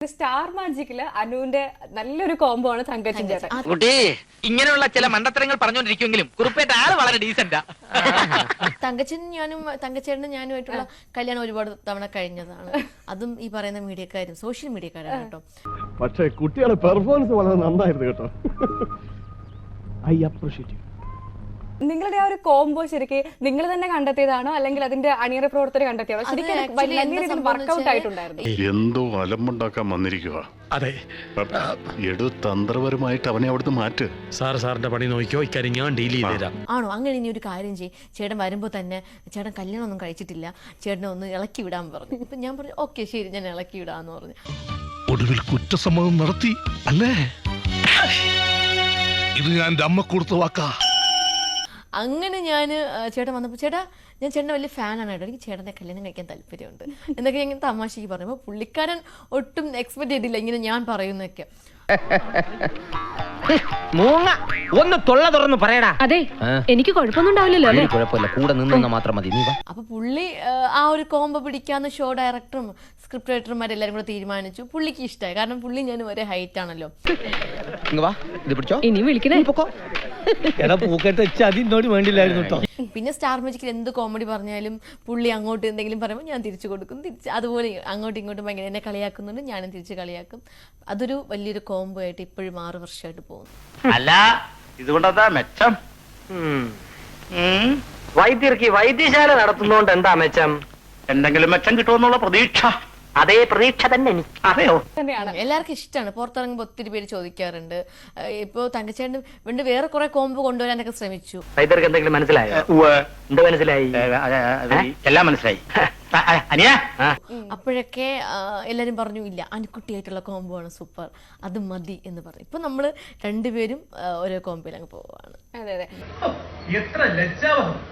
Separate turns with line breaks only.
Star മാജിക്കില് അനുവിന്റെ നല്ലൊരു combo ആണ് തങ്കച്ചൻ ചേട്ടൻ.
കുട്ടി ഇങ്ങനെയുള്ള ചില മണ്ടത്തരങ്ങൾ പറഞ്ഞുകൊണ്ടിരിക്കുമെങ്കിലും കുറുപ്പേറ്റ ആള് വളരെ ഡീസന്റാ.
തങ്കച്ചേട്ടനും ഞാനുമായിട്ടുള്ള കല്യാണം ഒരുപാട് തവണ കഴിഞ്ഞതാണ്. അതും ഈ പറയുന്ന മീഡിയക്കാരും സോഷ്യൽ മീഡിയക്കാരാണ് കേട്ടോ.
പക്ഷേ കുട്ടികളുടെ പെർഫോമൻസ് വളരെ നന്നായിരുന്നു കേട്ടോ. I appreciate.
നിങ്ങളുടെ ആ ഒരു കോംബോ ശരിക്കും നിങ്ങൾ തന്നെ കണ്ടെത്തിയതാണോ അല്ലെങ്കിൽ അതിന്റെ അണിയറ പ്രവർത്തകർ കണ്ടെത്തിയാണോ? ശരിക്കും വർക്ക്ഔട്ട് ആയിട്ടുണ്ടായിരുന്നു.
എന്തോ അലമ്പുണ്ടാക്കാൻ വന്നിരിക്കുക.
അതെ,
തന്ത്രപരമായിട്ട് അവനെ അവിടുന്ന് മാറ്റ്.
സാറിന്റെ പണി നോക്കിയോ, ഇക്കാര്യം ഞാൻ ഡീൽ ചെയ്തുതരാം.
ആണോ? അങ്ങനെ ഇനി ഒരു കാര്യം ചെയ്യും, ചേട്ടൻ വരുമ്പോ തന്നെ ചേട്ടൻ കല്യാണം ഒന്നും കഴിച്ചിട്ടില്ല, ചേട്ടനെ ഒന്ന് ഇളക്കി വിടാൻ പറഞ്ഞു. അപ്പൊ ഞാൻ പറഞ്ഞു ഓക്കെ ശരി, ഞാൻ ഇളക്കി വിടാന്ന് പറഞ്ഞു.
ഒടുവിൽ കുറ്റസമ്മതം നടത്തി അല്ലേ? ഇത് ഞാൻ എന്റെ അമ്മ കൊടുത്ത വാക്കാ.
അങ്ങനെ ഞാൻ ചേട്ടൻ വന്നപ്പോൾ ചേട്ടാ ഞാൻ ചേട്ടൻ്റെ വലിയ ഫാനാണ് കേട്ടോ, എനിക്ക് ചേട്ടൻ്റെ കല്യാണം കഴിക്കാൻ താല്പര്യമുണ്ട് എന്നൊക്കെ ഇങ്ങനെ തമാശയ്ക്ക് പറഞ്ഞു. അപ്പോൾ പുള്ളിക്കാരൻ ഒട്ടും എക്സ്പെക്ട് ചെയ്തില്ല ഇങ്ങനെ ഞാൻ പറയുന്നൊക്കെ.
ഒന്ന് തൊള്ള തുറന്ന് പറയടാ.
അതെ, എനിക്ക് കുഴപ്പമൊന്നും ഉണ്ടാവില്ലല്ലോ.
കുഴപ്പമില്ല, കൂടെ നിന്ന് മാത്രം മതി.
അപ്പൊ പുള്ളി ആ ഒരു കോംബോ പിടിക്കാന്ന് ഷോ ഡയറക്ടറും സ്ക്രിപ്റ്റ് റൈറ്റർമാരെല്ലാരും കൂടെ തീരുമാനിച്ചു. പുള്ളിക്ക് ഇഷ്ടമായി, കാരണം പുള്ളി ഞാൻ ഒരേ ഹൈറ്റ് ആണല്ലോ.
ഇനി വിളിക്കണേ.
പിന്നെ സ്റ്റാർ മാജിക്കിൽ എന്ത് കോമഡി പറഞ്ഞാലും പുള്ളി അങ്ങോട്ട് എന്തെങ്കിലും പറയുമ്പോൾ ഞാൻ തിരിച്ചു കൊടുക്കും. അതുപോലെ അങ്ങോട്ടും ഇങ്ങോട്ടും ഭയങ്കര എന്നെ കളിയാക്കുന്നുണ്ട്, ഞാനും തിരിച്ച് കളിയാക്കും. അതൊരു വലിയൊരു കോംബോ ആയിട്ട് ഇപ്പോഴും 6 വർഷമായിട്ട് പോകുന്നു.
അല്ല, ഇതുകൊണ്ടാ മെച്ചം. വൈദ്യർക്ക് വൈദ്യശാല നടത്തുന്നോണ്ട് എന്താ മെച്ചം? എന്തെങ്കിലും മെച്ചം കിട്ടുമെന്നുള്ള പ്രതീക്ഷ. അതേ പ്രതീക്ഷ തന്നെ എനിക്ക്. അതെയോ?
എല്ലാവർക്കും ഇഷ്ടമാണ്. പുറത്തിറങ്ങുമ്പോൾ ഒത്തിരി പേര് ചോദിക്കാറുണ്ട്. ഇപ്പൊ തങ്കച്ചേട്ടൻ വേണ്ടി വേറെ കുറെ കോംബോ കൊണ്ടുവരാനൊക്കെ ശ്രമിച്ചു.
വൈദ്യർക്ക് എന്തെങ്കിലും മനസ്സിലായോ? എന്ത് മനസ്സിലായി? എല്ലാം മനസ്സിലായി.
അപ്പോഴൊക്കെ എല്ലാരും പറഞ്ഞു ഇല്ല, അനുക്കുട്ടിയായിട്ടുള്ള കോംബോ ആണ് സൂപ്പർ, അത് മതി എന്ന് പറഞ്ഞു. ഇപ്പൊ നമ്മള് രണ്ടുപേരും ഓരോ കോംബോയിൽ അങ്ങ് പോവാണ്.
അതെ അതെ.
എത്ര ലജ്ജാവഹം.